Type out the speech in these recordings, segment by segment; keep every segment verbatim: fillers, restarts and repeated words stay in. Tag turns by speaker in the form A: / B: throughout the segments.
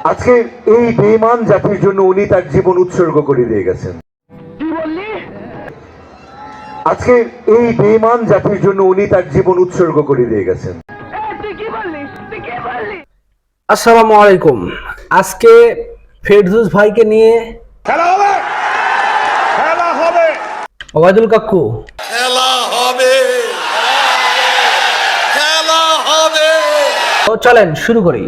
A: আজকে এই বেঈমান জাতির জন্য উনি তার জীবন উৎসর্গ করে দিয়ে গেছেন। আজকে এই বেঈমান জাতির জন্য উনি তার জীবন উৎসর্গ করে দিয়ে গেছেন।
B: আসসালামু আলাইকুম। আজকে ফেরদৌস ভাইকে নিয়ে
C: খেলা হবে, খেলা হবে,
B: ওবায়দুল কাকু
D: খেলা হবে, খেলা হবে।
B: তো চলেন শুরু করি।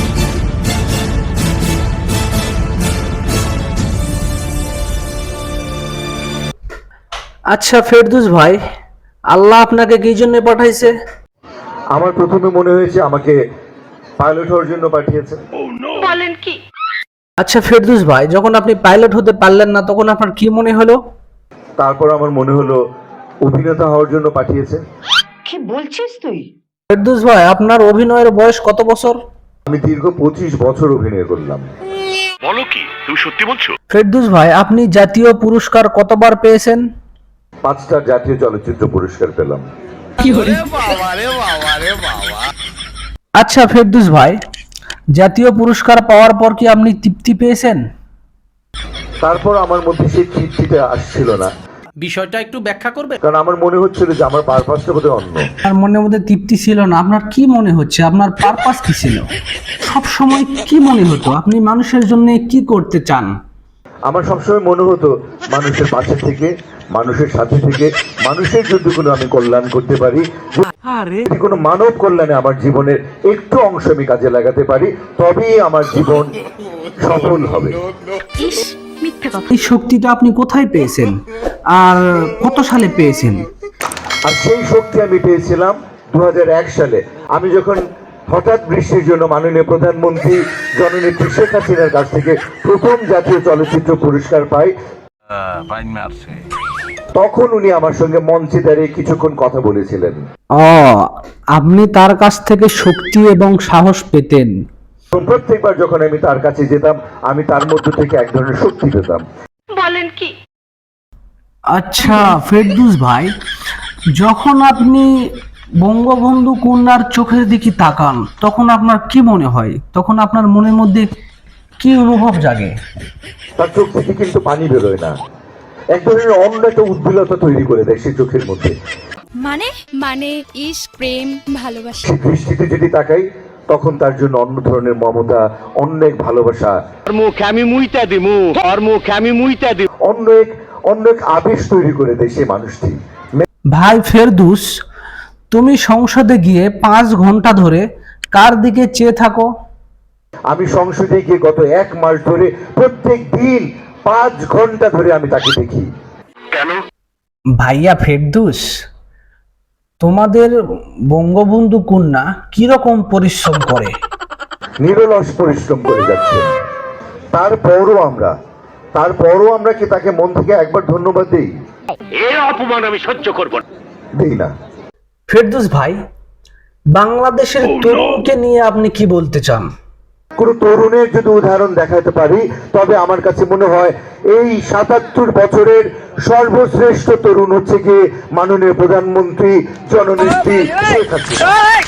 B: আচ্ছা ফেরদৌস ভাই, আল্লাহ আপনাকে কি জন্য পাঠাইছে?
A: আমার প্রথমে মনে হয়েছে আমাকে পাইলট হওয়ার জন্য পাঠিয়েছে।
E: বলেন কি?
B: আচ্ছা ফেরদৌস ভাই, যখন আপনি পাইলট হতে পারলেন না তখন আপনার কি মনে হলো?
A: তারপর আমার মনে হলো অভিনেতা হওয়ার জন্য পাঠিয়েছে।
E: কি বলছিস তুই?
B: ফেরদৌস ভাই, আপনার অভিনয়ের বয়স কত বছর?
A: আমি দীর্ঘ পঁচিশ বছর অভিনয় করলাম।
C: বলো কি তুমি সত্যি বলছো?
B: ফেরদৌস ভাই, আপনি জাতীয় পুরস্কার কতবার পেয়েছেন?
A: পাঁচটা জাতীয় চলচ্চিত্র পুরস্কার পেলাম।
D: বাবা রে বাবা রে বাবা।
B: আচ্ছা ফেরদৌস ভাই, জাতীয় পুরস্কার পাওয়ার পর কি আপনি তৃপ্তি পেয়েছেন?
A: তারপর আমার মধ্যে সেই তৃপ্তিটা আসছিল না,
B: বিষয়টা একটু ব্যাখ্যা করবে?
A: কারণ আমার মনে হচ্ছিল যে আমার পারপাসটা বোধহয় অন্য।
B: আপনার মনের মধ্যে তৃপ্তি ছিল না, আপনার কি মনে হচ্ছে? আপনার পারপাস কি ছিল? সব সময় কি মনে হতো? আপনি মানুষের জন্য কি করতে চান?
A: আমার সবসময় মনে হতো মানুষের পাশে থেকে, মানুষের সাথে থেকে, মানুষের যদি কোনো আমি কল্যাণ করতে পারি, যদি কোনো মানব কল্যাণে আমার জীবনের একটু অংশ আমি কাজে লাগাতে পারি, তবেই আমার জীবন সফল হবে।
E: ইস, মিথ্যে কথা।
B: এই শক্তিটা আপনি কোথায় পেয়েছেন আর কত সালে পেয়েছেন?
A: আর সেই শক্তি আমি পেয়েছিলাম দু হাজার এক সালে। আমি যখন হঠাৎ বৃষ্টির জন্য মাননীয় প্রধানমন্ত্রী জননেত্রী শেখ হাসিনার কাছ থেকে প্রথম জাতীয় চলচ্চিত্র পুরস্কার পাই, তখন উনি আমার সঙ্গে মঞ্চে দাঁড়িয়ে কিছুক্ষণ কথা বলেছিলেন।
B: ও, আপনি তার কাছ থেকে শক্তি এবং সাহস পেতেন।
A: প্রত্যেকবার যখন আমি তার কাছে যেতাম, আমি তার মধ্য থেকে এক ধরনের শক্তি পেতাম।
E: বলেন কি?
B: আচ্ছা ফেরদৌস ভাই, যখন আপনি বঙ্গবন্ধু কন্যার চোখের দিকে তাকান তখন আপনার কি মনে হয়? তখন আপনার মনের মধ্যে কি অনুভব জাগে?
A: তার চোখ থেকে কিন্তু পানি বেরোয় না, এক ধরনের অন্য একটা উদ্বিলতা তৈরি করে দেয় সে চোখের মধ্যে।
F: মানে মানে ইশক, প্রেম, ভালোবাসা।
A: সে দৃষ্টিতে যদি তাকাই, তখন তার জন্য অন্য ধরনের মমতা, অন্য এক ভালোবাসা,
C: মুখে আমি মুইতা দিমু, ওর মুখে আমি মুইতা দিমু,
A: অন্য এক অন্য এক আবেশ তৈরি করে দেয় সেই মানুষটি।
B: ভাই ফেরদৌস, তুমি সংসদে গিয়ে পাঁচ ঘন্টা ধরে কার দিকে চেয়ে থাকো?
A: আমি সংসদে গিয়ে গত এক মাস ধরে প্রত্যেক দিন পাঁচ ঘন্টা ধরে আমি তাকে দেখি।
C: কেন?
B: ভাইয়া ফেরদৌস, তোমাদের বঙ্গবন্ধু কন্যা কিরকম পরিশ্রম করে?
A: নিরলস পরিশ্রম করে যাচ্ছেন। তারপরও আমরা তারপরও আমরা কি তাকে মন থেকে একবার ধন্যবাদ দিই?
C: এর অপমান আমি সহ্য করব না।
A: দিই না।
B: ফেরদৌস ভাই, বাংলাদেশের তরুণকে নিয়ে আপনি কি বলতে চান?
A: কোন তরুণের যদি উদাহরণ দেখাতে পারি, তবে আমার কাছে মনে হয় এই সাতাত্তর বছরের সর্বশ্রেষ্ঠ তরুণ হচ্ছে গিয়ে মাননীয় প্রধানমন্ত্রী জননেত্রী শেখ হাসিনা।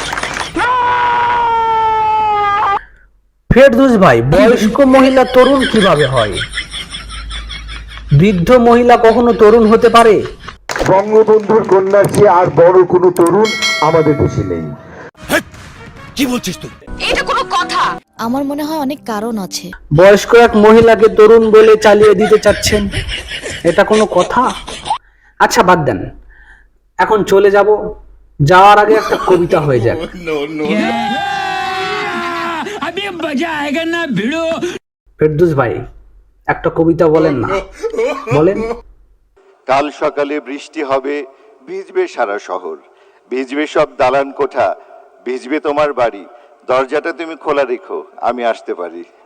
B: ফেরদৌস ভাই, বয়স্ক মহিলা তরুণ কিভাবে হয়? বৃদ্ধ মহিলা কখনো তরুণ হতে পারে?
A: বঙ্গবন্ধুর কন্যার চেয়ে আর বড় কোনো তরুণ আমাদের দেশে নেই।
D: কি বলছিস তুই?
E: এটা কোনো কথা?
F: আমার মনে হয় অনেক কারণ আছে।
B: বয়স্ক এক মহিলাকে তরুণ বলে চালিয়ে দিতে চাচ্ছেন, এটা কোনো কথা? আচ্ছা বাদ দেন, এখন চলে যাব। যাওয়ার আগে একটা কবিতা হয়ে যাক। ফেরদৌস ভাই, একটা কবিতা বলেন না, বলেন।
G: কাল সকালে বৃষ্টি হবে, ভিজবে সারা শহর, ভিজবে সব দালান কোঠা, ভিজবে তোমার বাড়ি, দরজাটা তুমি খোলা রেখো, আমি আসতে পারি।